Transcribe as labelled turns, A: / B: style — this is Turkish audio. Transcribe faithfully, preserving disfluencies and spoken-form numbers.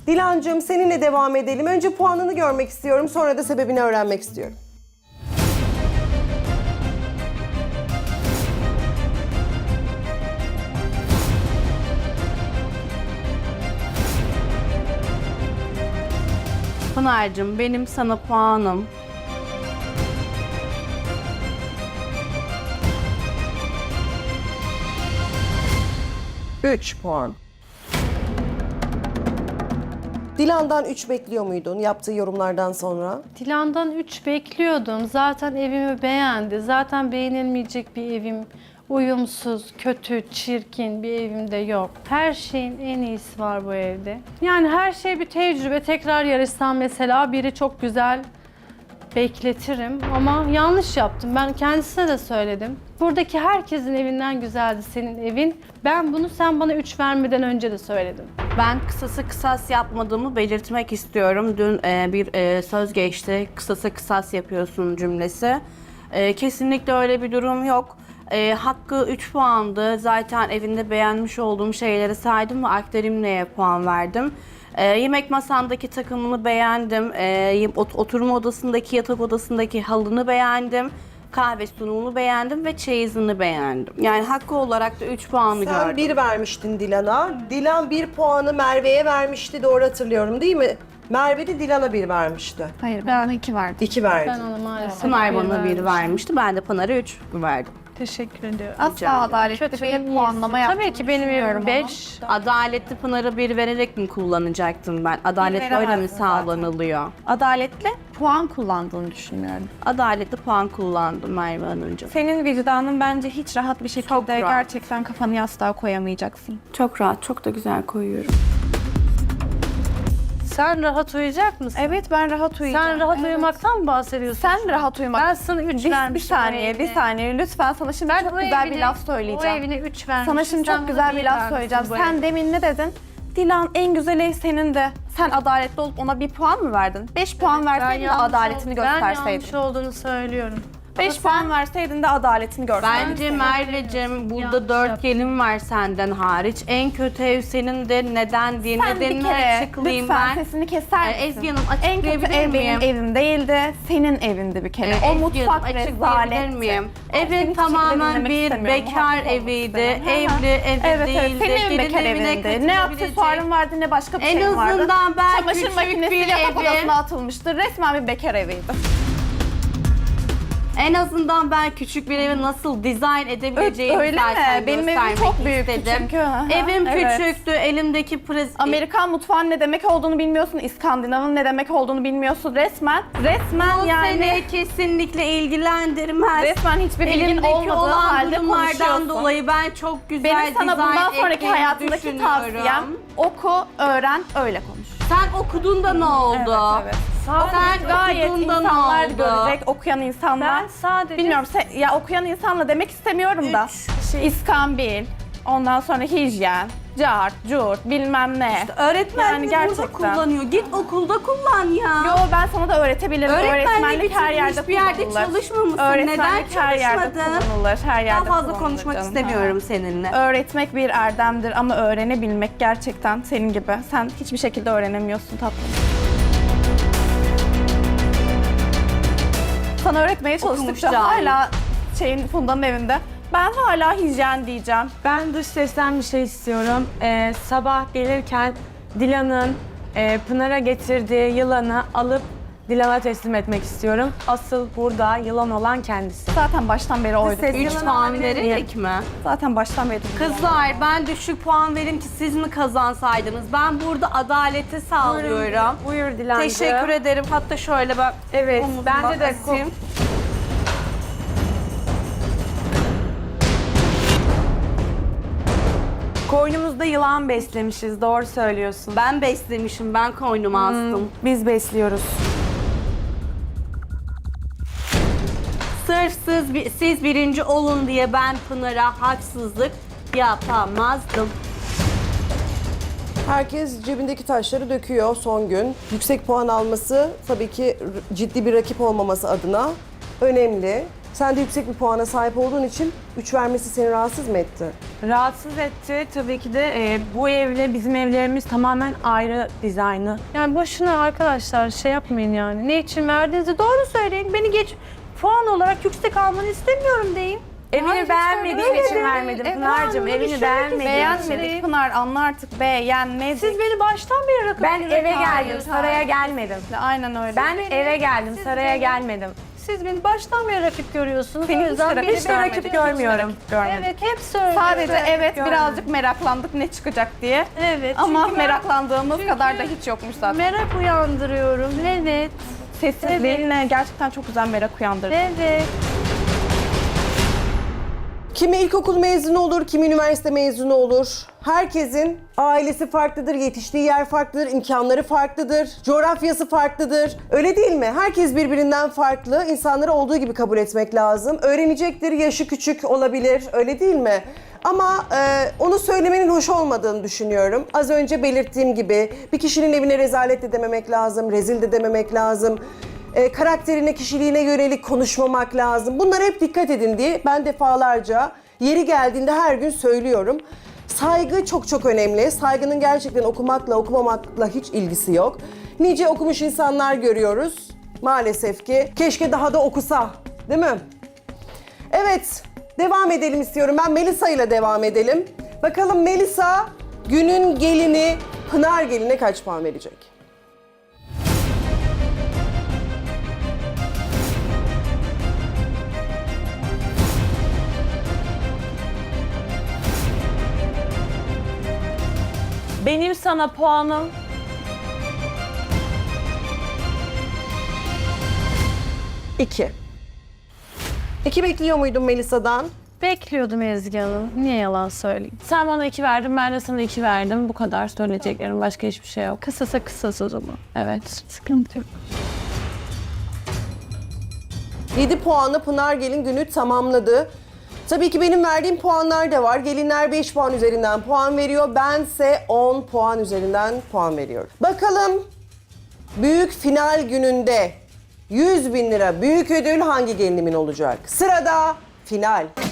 A: Dilancığım seninle devam edelim. Önce puanını görmek istiyorum, sonra da sebebini öğrenmek istiyorum.
B: Pınar'cığım benim sana puanım
A: üç puan. Dilan'dan üç bekliyor muydun yaptığı yorumlardan sonra?
C: Dilan'dan üç bekliyordum. Zaten evimi beğendi. Zaten beğenilmeyecek bir evim, uyumsuz, kötü, çirkin bir evimde yok. Her şeyin en iyisi var bu evde. Yani her şey bir tecrübe. Tekrar yarışsam mesela biri çok güzel bekletirim ama yanlış yaptım. Ben kendisine de söyledim. Buradaki herkesin evinden güzeldi senin evin. Ben bunu sen bana üç vermeden önce de söyledim.
B: Ben kısası kısas yapmadığımı belirtmek istiyorum. Dün e, bir e, söz geçti. Kısasa kısas yapıyorsun cümlesi. E, kesinlikle öyle bir durum yok. E, hakkı üç puandı. Zaten evinde beğenmiş olduğum şeyleri saydım ve aktarimleye puan verdim. E, yemek masandaki takımını beğendim. E, oturma odasındaki, yatak odasındaki halını beğendim. Kahve sunumunu beğendim ve çeyizini beğendim. Yani hakkı olarak da üç puanı
A: Sen
B: gördüm.
A: bir vermiştin Dilan'a. Dilan bir puanı Merve'ye vermişti, doğru hatırlıyorum değil mi? Merve de Dilan'a bir vermişti.
D: Hayır, ben iki verdim.
A: İki verdi.
C: Ben ona maalesef
B: Pınar
C: bir
B: bana bir
C: vermiştim.
B: vermişti. Ben de Pınar'a üç verdim.
C: Teşekkür ediyorum.
D: Asla adaletli
C: Kötü
D: bir
C: bir
D: puanlama yaptım.
C: Tabii ki benim evim beş.
B: Adaletli Pınar'a bir vererek mi kullanacaktım ben? Adalet böyle mi
D: veremezdin
B: sağlanılıyor?
D: Adaletli puan kullandığını düşünmüyorum.
B: Adaletli puan kullandım Merve Hanımcığım.
D: Senin vicdanın bence hiç rahat bir şekilde
B: Çok rahat.
D: gerçekten kafanı yastığa koyamayacaksın.
B: Çok rahat, çok da güzel koyuyorum.
C: Sen rahat uyuyacak mısın?
D: Evet, ben rahat uyuyacağım.
C: Sen rahat
D: Evet.
C: uyumaktan mı bahsediyorsun?
D: Sen rahat uyumak.
C: Ben sana üç
D: bir,
C: vermiştim.
D: bir saniye,
C: o
D: bir
C: evine.
D: saniye. Lütfen sana şimdi
C: Ben
D: çok
C: o
D: güzel bir
C: evine-
D: laf söyleyeceğim.
C: O evine üç vermiştim.
D: Sana şimdi
C: sen
D: çok
C: bana
D: güzel bir laf
C: vermişsin
D: söyleyeceğim.
C: bu
D: Sen
C: evine.
D: demin ne dedin? Dilan en güzel ev senin de. Sen adaletli olup ona bir puan mı verdin? Beş puan verseydin de
C: yanlış
D: adaletini
C: ol- Ben
D: gösterseydin.
C: yanlış olduğunu söylüyorum.
D: Beş puan verseydin de adaletini görseydin.
B: Bence Merveciğim burada
C: Yanlış
B: dört
C: yaptım.
B: gelin var senden hariç. En kötü ev senin de neden diye
D: Sen bir
B: nedenini
D: kere
B: açıklayayım
D: lütfen
B: ben.
D: sesini keser
B: Ee,
D: misin?
B: Ezgi Hanım,
D: En kötü
B: açıklayabilir
D: ev benim
B: miyim?
D: evim değildi, senin evindi bir kere.
B: Ee,
D: o
B: Ezgi
D: mutfak
B: Hanım, açıklayabilir
D: rezaletti.
B: miyim?
D: Seni
B: Evin
D: hiçbir şekilde
B: tamamen
D: dinlemek
B: bir
D: istemiyorum,
B: bekar
D: muhatap olmak
B: eviydi.
D: istemiyorum. Hı hı.
B: Evli evi
D: Evet
B: değildi.
D: evet, senin evin
B: Gelin
D: bekar
B: evine
D: evinde. Ne
B: katılabilecek-
D: aksesuarın vardı ne başka bir
B: En
D: şeyin vardı.
B: azından ben
D: Çamaşır
B: küçük
D: makinesi
B: bir
D: yatak
B: evi-
D: odasına atılmıştı. Resmen bir bekar eviydi.
B: En azından ben küçük bir evi nasıl dizayn edebileceğimi
D: Öyle mi?
B: zaten
D: Benim evim
B: göstermek
D: çok büyüktü
B: istedim.
D: çünkü. Aha,
B: Evim
D: evet.
B: küçüktü, elimdeki prez...
D: Amerikan mutfağının ne demek olduğunu bilmiyorsun. İskandinav'ın ne demek olduğunu bilmiyorsun. Resmen, resmen
B: Bu
D: yani...
B: seni kesinlikle ilgilendirmez.
D: Resmen hiçbir bilgin
B: Elimdeki
D: olmadığı
B: olan
D: halde
B: durumlardan
D: konuşuyorsun.
B: dolayı ben çok güzel
D: Benim sana
B: dizayn
D: bundan sonraki
B: ettiğimi
D: hayatındaki
B: düşünüyorum.
D: tavsiyem oku, öğren, öyle konuş.
B: Sen okudun da ne oldu?
D: Evet, evet.
B: Sen
D: Gayet
B: okudun da ne
D: insanlar
B: oldu?
D: görecek, okuyan insanlar.
C: Ben sadece...
D: Bilmiyorum, se- ya okuyan insanla demek istemiyorum da.
B: Şey-
D: İskambil, ondan sonra hijyen, cart, curt, bilmem ne.
B: Öğretmenlik
D: Yani
B: burada
D: gerçekten.
B: kullanıyor. Git okulda kullan ya.
D: Yo, ben sana da öğretebilirim.
B: Öğretmenlik
D: her
B: bitirmiş,
D: yerde
B: bir yerde
D: kullanılır.
B: çalışmamışsın.
D: Öğretmenlik
B: Neden
D: her yerde
B: çalışmadın?
D: kullanılır. Her yerde
B: Daha fazla
D: kullanılır
B: konuşmak
D: canım.
B: istemiyorum seninle.
D: Öğretmek bir erdemdir ama öğrenebilmek gerçekten senin gibi. Sen hiçbir şekilde öğrenemiyorsun tatlım. Sana öğretmeye çalıştıkça
B: Okumuş cahil.
D: hala şeyin Funda'nın evinde. Ben hala hijyen diyeceğim.
E: Ben dış sesten bir şey istiyorum. Ee, sabah gelirken Dilan'ın e, Pınar'a getirdiği yılanı alıp Dilan'a teslim etmek istiyorum. Asıl burada yılan olan kendisi.
D: Zaten baştan beri oydu.
E: ses-
B: Üç
E: Yalan
B: puan
E: olabilir
B: vererek mi?
D: Zaten baştan beri.
B: Kızlar ben düşük puan verim ki siz mi kazansaydınız? Ben burada adaleti sağlıyorum.
E: Buyur Dilan'cığım.
B: Teşekkür ederim. Hatta şöyle bak.
E: Evet,
B: omuzuma
E: bende de
B: asayım.
E: Koynumuzda yılan beslemişiz, doğru söylüyorsun.
B: Ben beslemişim, ben koynuma astım.
E: Biz besliyoruz.
B: Sırf siz, bi- siz birinci olun diye ben Pınar'a haksızlık yapamazdım.
A: Herkes cebindeki taşları döküyor son gün. Yüksek puan alması tabii ki r- ciddi bir rakip olmaması adına önemli. Sen de yüksek bir puana sahip olduğun için üç vermesi seni rahatsız mı etti?
E: Rahatsız etti. Tabii ki de e, bu evle bizim evlerimiz tamamen ayrı dizaynı.
C: Yani boşuna arkadaşlar şey yapmayın yani. Ne için verdiğinizi doğru söyleyin. Beni geç puan olarak yüksek almanı istemiyorum deyin.
E: Evini beğenmediğim
C: öyle
E: için
C: de-
E: vermedim
C: E,
E: Pınar'cığım.
C: ben bunu
E: Evini
C: düşünmek
E: beğenmediğim için.
D: Beğenmedik Pınar, anla artık beğenmedik.
C: Siz beni baştan beri rakip
E: Ben eve geldim,
D: Hayır,
E: saraya
D: hayır.
E: gelmedim.
D: Aynen öyle.
E: Ben
C: beni-
E: eve geldim,
C: siz
E: saraya
C: beni-
E: gelmedim.
C: Siz beni baştan beri rakip görüyorsunuz.
D: Seni
C: O
D: hiç
C: yüzden
D: de
C: beni
D: rakip
E: Hiç de
D: görmedim.
E: rakip görmüyorum.
D: Görmedik.
C: Evet hep söylüyorum.
D: Sadece evet
E: görmedim.
D: birazcık meraklandık ne çıkacak diye.
C: Evet.
D: Ama
C: çünkü ben
D: meraklandığımız kadar da hiç yokmuş zaten.
C: merak uyandırıyorum. Evet.
D: Sessizliğinle gerçekten çok güzel merak uyandırdı.
C: Evet.
A: Kimi ilkokul mezunu olur, kimi üniversite mezunu olur. Herkesin ailesi farklıdır, yetiştiği yer farklıdır, imkanları farklıdır, coğrafyası farklıdır. Öyle değil mi? Herkes birbirinden farklı. İnsanları olduğu gibi kabul etmek lazım. Öğrenecektir, yaşı küçük olabilir. Öyle değil mi? Ama e, onu söylemenin hoş olmadığını düşünüyorum. Az önce belirttiğim gibi bir kişinin evine rezalet de dememek lazım, rezil de dememek lazım. E, karakterine, kişiliğine yönelik konuşmamak lazım. Bunlara hep dikkat edin diye ben defalarca yeri geldiğinde her gün söylüyorum. Saygı çok çok önemli. Saygının gerçekten okumakla okumamakla hiç ilgisi yok. Nice okumuş insanlar görüyoruz maalesef ki. Keşke daha da okusa, değil mi? Evet, devam edelim istiyorum. Ben Melisa ile devam edelim. Bakalım Melisa günün gelini Pınar geline kaç puan verecek?
E: Benim sana puanım
A: İki. İki bekliyor muydun Melisa'dan?
C: Bekliyordum Ezgi Hanım. Niye yalan söyleyeyim?
E: sen bana iki verdin, ben de sana iki verdim. Bu kadar söyleyeceklerim, başka hiçbir şey yok.
C: Kısasa kısas o zaman.
E: Evet.
C: Sıkıntı yok.
A: yedi puanla Pınar Gelin günü tamamladı. Tabii ki benim verdiğim puanlar da var. Gelinler beş puan üzerinden puan veriyor. Bense on puan üzerinden puan veriyorum. Bakalım büyük final gününde yüz bin lira büyük ödül hangi gelinimin olacak? Sırada final.